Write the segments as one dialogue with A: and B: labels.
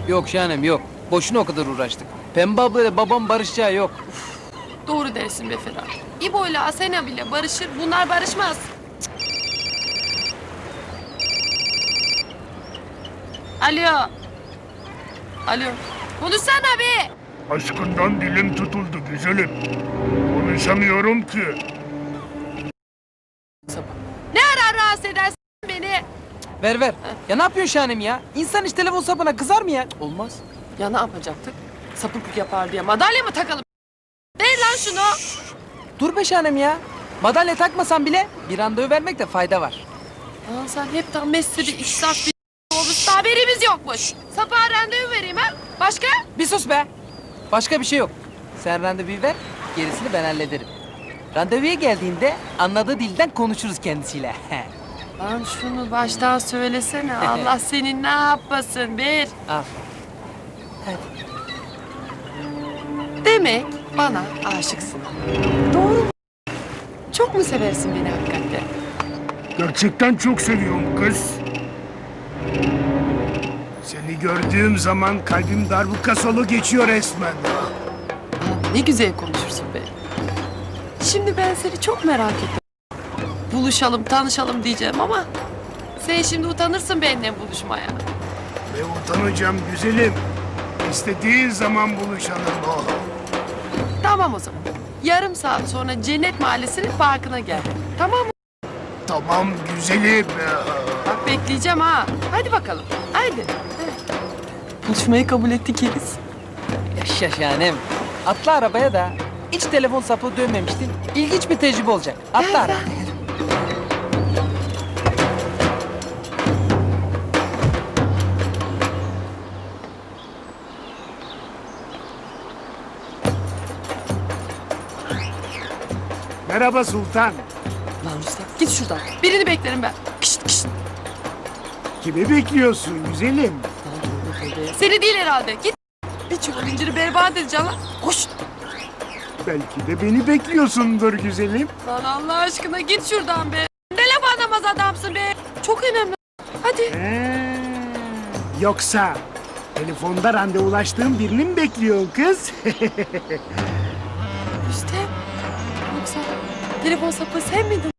A: Yok Şahanem yok. Boşuna o kadar uğraştık. Pembe ablayla babam barışacağı yok.
B: Doğru dersin be Ferhat. İbo ile Asena bile barışır, bunlar barışmaz. Alo. Alo. Konuşsana be.
C: Aşkından dilim tutuldu güzelim. Konuşamıyorum ki.
B: Ne ara rahatsız edersin beni?
A: Ver ver. Ya ne yapıyorsun Şahanem ya? İnsan hiç telefon sapına kızar mı ya? Olmaz.
B: Ya ne yapacaktık? Sapıklık yapar diye madalya mı takalım? Değil lan şunu.
A: Dur be Şahanem ya. Madalya takmasan bile bir randevu vermekte fayda var.
B: Lan sen hepten Messi'de israf bir olmuş, haberimiz yokmuş. Sapığa randevu vereyim ha? Başka?
A: Bir sus be. Başka bir şey yok. Sen randevuyu ver, gerisini ben hallederim. Randevuya geldiğinde anladığı dilden konuşuruz kendisiyle.
B: Lan şunu baştan söylesene. Allah senin ne yapmasın bir.
A: Al.
B: Demek bana aşıksın. Doğru mu? Çok mu seversin beni hakikaten?
C: Gerçekten çok seviyorum kız. Seni gördüğüm zaman kalbim darbuka solu geçiyor resmen.
B: Ne güzel konuşursun be. Şimdi ben seni çok merak ettim. Buluşalım, tanışalım diyeceğim ama... sen şimdi utanırsın benimle buluşmaya.
C: Ve utanacağım güzelim. İstediğin zaman buluşalım. Oh.
B: Tamam o zaman. Yarım saat sonra Cennet Mahallesi'nin parkına gel. Tamam mı?
C: Tamam güzelim.
B: Bak bekleyeceğim ha. Hadi bakalım. Haydi. Buluşmayı kabul ettik Yeliz.
A: Yaşa Şahanem. Atla arabaya da. Hiç telefon sapı dönmemiştin. İlginç bir tecrübe olacak. Atla arabaya.
C: Merhaba Sultan.
B: Lan Rüstem git şuradan. Birini beklerim ben. Kışt kışt.
C: Kimi bekliyorsun güzelim?
B: Seni değil herhalde. Git. Bir çuval inciri berbat edeceğim lan. Koş.
C: Belki de beni bekliyorsundur güzelim.
B: Lan Allah aşkına git şuradan be. Ne laf anlamaz adamsın be. Çok önemli. Hadi.
C: Yoksa telefonda randevulaştığın birini mi bekliyorsun kız?
B: Rüstem. Yoksa telefon sapı sen miydin?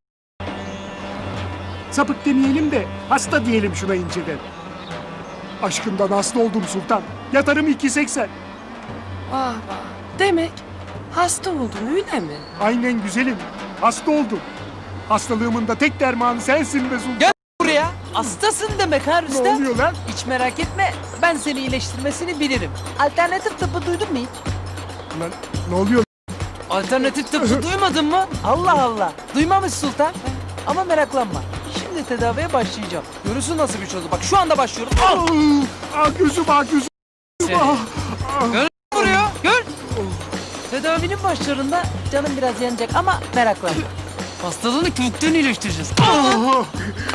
C: Sapık demeyelim de hasta diyelim şuna inceden. Aşkından hasta oldum Sultan. Yatarım 2.80.
B: Vah vah. Demek hasta oldun öyle mi?
C: Aynen güzelim. Hasta oldum. Hastalığımın da tek dermanı sensin be Sultan.
A: Gel buraya. Hastasın demek ha
C: Ne
A: Rüstem.
C: oluyor lan?
A: Hiç merak etme. Ben seni iyileştirmesini bilirim. Alternatif tıbbı duydun mu hiç?
C: Lan ne oluyor?
A: Alternatif tıbbı duymadın mı? Allah Allah. Duymamış Sultan. Ama meraklanma. Şimdi tedaviye başlayacağım. Görürsün nasıl bir çözüm. Bak şu anda başlıyorum. Al.
C: Gözüm gözüm. Ah, ah.
A: Gör vuruyor. Gör. Tedavinin başlarında canım biraz yanacak ama meraklanma. Hastalığını kökten iyileştireceğiz.
C: Ah.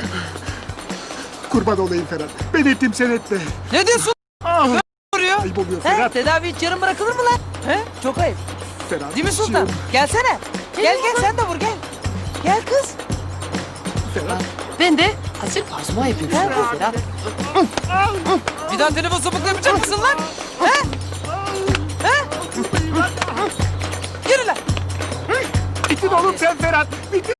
C: Kurban olayım Ferhat. Ben ettim sen etme.
A: Ne diyorsun?
C: Ah.
A: Vuruyor.
C: Ayıp oluyor
A: He,
C: Ferhat.
A: tedavi hiç yarım bırakılır mı lan? He? Çok ayıp.
C: Ferhat.
A: Değil mi Sultan? Gelsene. Gel sen de vur gel. Gel kız.
C: Ferhat.
B: Ben de azıcık pansuman yapayım.
A: Gel
B: şuraya
A: kız.
B: Ferhat.
A: Bir daha telefon sapıkla yapacak mısın lan? He? He? Yürü lan.
C: Bitin oğlum sen Ferhat. Bitin.